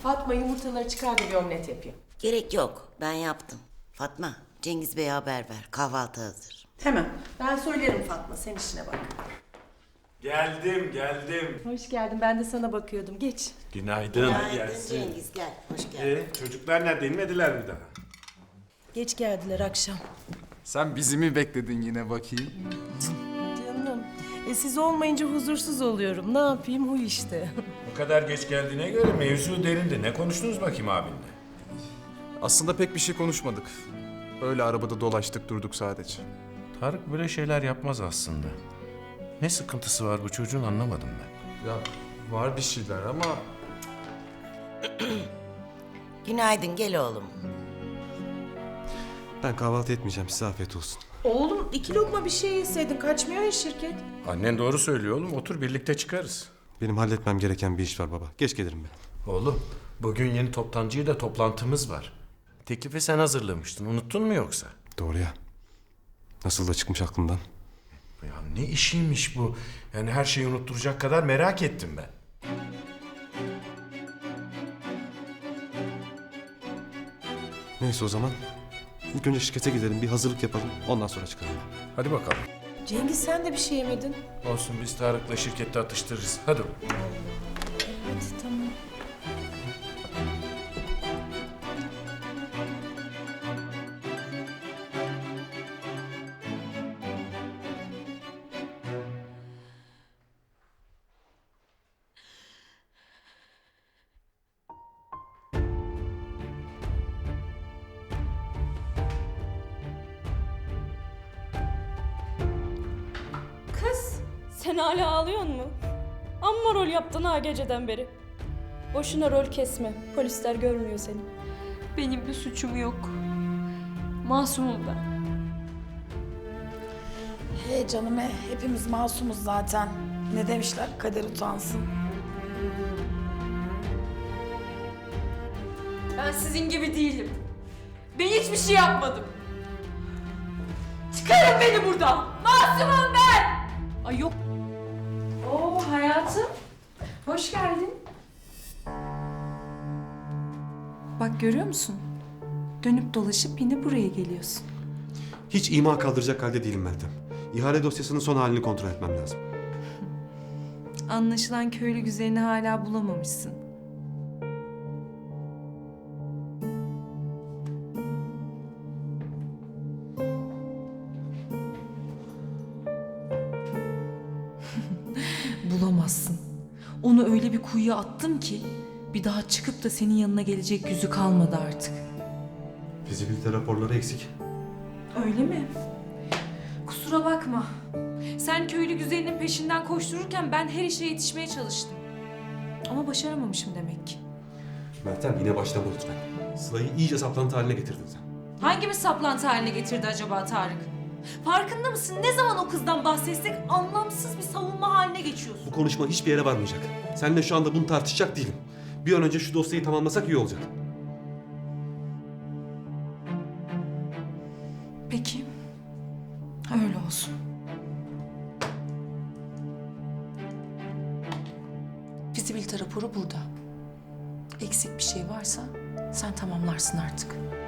Fatma yumurtaları çıkar da bir omlet yapayım. Gerek yok. Ben yaptım. Fatma, Cengiz Bey'e haber ver. Kahvaltı hazır. Hemen. Ben söylerim Fatma, sen işine bak. Geldim. Hoş geldin, ben de sana bakıyordum. Geç. Günaydın. Günaydın Cengiz, gel. Hoş geldin. Çocuklar nerede? İnmediler mi daha? Geç geldiler akşam. Sen bizi mi bekledin yine bakayım? Canım, siz olmayınca huzursuz oluyorum. Ne yapayım, huy işte. Bu kadar geç geldiğine göre mevzu derindi. Ne konuştunuz bakayım abinle? Aslında pek bir şey konuşmadık. Öyle arabada dolaştık durduk sadece. Tarık böyle şeyler yapmaz aslında. Ne sıkıntısı var bu çocuğun anlamadım ben. Ya var bir şeyler ama... Günaydın, gel oğlum. Ben kahvaltı etmeyeceğim. Size afiyet olsun. Oğlum 2 lokma bir şey yeseydin, kaçmıyor ya şirket. Annen doğru söylüyor oğlum. Otur birlikte çıkarız. Benim halletmem gereken bir iş var baba. Geç gelirim ben. Oğlum bugün yeni toptancıyla toplantımız var. Teklifi sen hazırlamıştın. Unuttun mu yoksa? Doğru ya. Nasıl da çıkmış aklımdan. Ya ne işiymiş bu? Yani her şeyi unutturacak kadar merak ettim ben. Neyse o zaman. İlk önce şirkete gidelim. Bir hazırlık yapalım. Ondan sonra çıkalım. Hadi bakalım. Cengiz sen de bir şey yemedin. Olsun biz Tarık'la şirkette atıştırırız. Hadi. Hadi tamam. Kız, sen hala ağlıyor mu? Amma rol yaptın ha geceden beri. Boşuna rol kesme, polisler görmüyor seni. Benim bir suçum yok. Masumum ben. He canım he, hepimiz masumuz zaten. Ne demişler, kader utansın. Ben sizin gibi değilim. Ben hiçbir şey yapmadım. Çıkarın beni buradan. Masumum ben. Ay yok. Oo hayatım. Hoş geldin. Bak görüyor musun? Dönüp dolaşıp yine buraya geliyorsun. Hiç ima kaldıracak halde değilim Meltem. İhale dosyasının son halini kontrol etmem lazım. Anlaşılan köylü güzelini hala bulamamışsın. Bulamazsın. Onu öyle bir kuyuya attım ki bir daha çıkıp da senin yanına gelecek yüzü kalmadı artık. Fizibilite raporları eksik. Öyle mi? Kusura bakma. Sen köylü güzelinin peşinden koştururken ben her işe yetişmeye çalıştım. Ama başaramamışım demek ki. Meltem yine başlama lütfen. Sıla'yı iyice saplantı haline getirdin sen. Hangimiz saplantı haline getirdi acaba Tarık? Farkında mısın? Ne zaman o kızdan bahsetsek anlamsız bir savunma haline geçiyorsun. Bu konuşma hiçbir yere varmayacak. Seninle şu anda bunu tartışacak değilim. Bir an önce şu dosyayı tamamlasak iyi olacak. Peki. Öyle olsun. Fizibilite raporu burada. Eksik bir şey varsa sen tamamlarsın artık.